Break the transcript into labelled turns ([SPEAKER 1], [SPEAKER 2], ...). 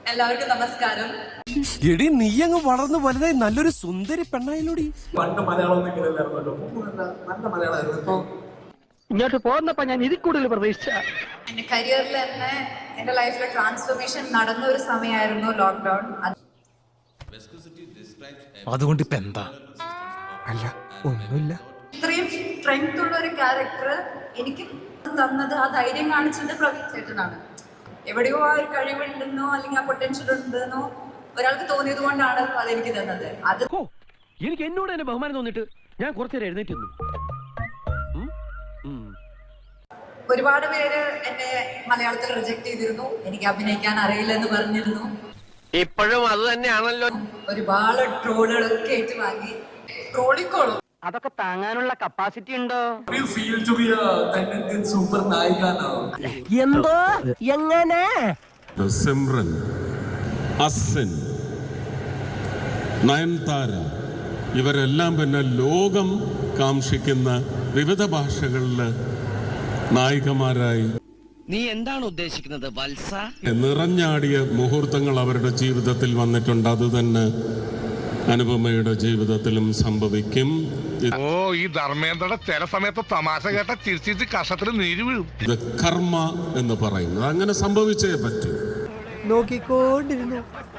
[SPEAKER 1] എല്ലാവർക്കും നമസ്കാരം.
[SPEAKER 2] എടി നീ അങ്ങ് വളർന്നു വലുതായി നല്ലൊരു സുന്ദരി പെണ്ണായിലൂടി.
[SPEAKER 3] പണ്ട് മലയാളം നല്ല മലയാളമായിരുന്നു.
[SPEAKER 4] ഇങ്ങോട്ട് പോകുന്നപ്പോ ഞാൻ ഇതിൽ കൂടുതൽ പ്രതീക്ഷിച്ച.
[SPEAKER 1] എന്റെ കരിയറിൽ തന്നെ എന്റെ ലൈഫിലെ ട്രാൻസ്ഫോർമേഷൻ നടന്ന ഒരു സമയമായിരുന്നു ലോക്ക്ഡൌൺ.
[SPEAKER 2] അതുകൊണ്ട് ഇപ്പൊ എന്താ? അല്ല ഒന്നുമില്ല.
[SPEAKER 1] ഇത്രയും സ്ട്രെങ്ത് ഉള്ള ഒരു ക്യാരക്ടർ എനിക്ക് തന്നത്, ആ ധൈര്യം കാണിച്ചത് പ്രവീൺ ചേട്ടനാണ്. എവിടെയോ ആ ഒരു കഴിവുണ്ടെന്നോ അല്ലെങ്കിൽ ആ പൊട്ടൻഷ്യൽ ഉണ്ടെന്നോ ഒരാൾക്ക് തോന്നിയത് കൊണ്ടാണ് അതെനിക്ക് തന്നത്. അത്
[SPEAKER 4] എനിക്ക് എന്നോട് തന്നെ ബഹുമാനം തോന്നിട്ട് ഞാൻ കുറച്ചേരം എഴുന്നേറ്റ്.
[SPEAKER 1] ഒരുപാട് പേര് എന്നെ മലയാളത്തിൽ റിജക്ട് ചെയ്തിരുന്നു. എനിക്ക് അഭിനയിക്കാൻ അറിയില്ലെന്ന് പറഞ്ഞിരുന്നു.
[SPEAKER 4] ഇപ്പോഴും അത് തന്നെയാണല്ലോ.
[SPEAKER 1] ഒരുപാട് ട്രോളുകളൊക്കെ ഏറ്റുവാങ്ങി. ട്രോളിക്കോളൂ,
[SPEAKER 4] അതൊക്കെ താങ്ങാനുള്ള കപ്പാസിറ്റി ഉണ്ടോ?
[SPEAKER 3] സൂപ്പർ നായികനോ
[SPEAKER 4] എന്തോ എങ്ങനെ
[SPEAKER 5] സിമ്രൻ, അസിൻ, നയൻതാര ഇവരെല്ലാം പിന്നെ ലോകം കാംക്ഷിക്കുന്ന വിവിധ ഭാഷകളിൽ നായികമാരായി.
[SPEAKER 6] നീ എന്താണ് ഉദ്ദേശിക്കുന്നത് വത്സ?
[SPEAKER 5] നിറഞ്ഞാടിയ മുഹൂർത്തങ്ങൾ അവരുടെ ജീവിതത്തിൽ വന്നിട്ടുണ്ട്. അത് തന്നെ അനുപമയുടെ ജീവിതത്തിലും സംഭവിക്കും.
[SPEAKER 7] ഓ, ഈ ധർമ്മേന്ദ്രയുടെ ചില സമയത്ത് തമാശ കേട്ട ചിരിച്ചിട്ട് കഷത്തിൽ നീര് വീഴും.
[SPEAKER 5] ഇത് കർമ്മ എന്ന് പറയുന്നത് അങ്ങനെ സംഭവിച്ചേ പറ്റൂ.
[SPEAKER 4] നോക്കിക്കൊണ്ടിരുന്നു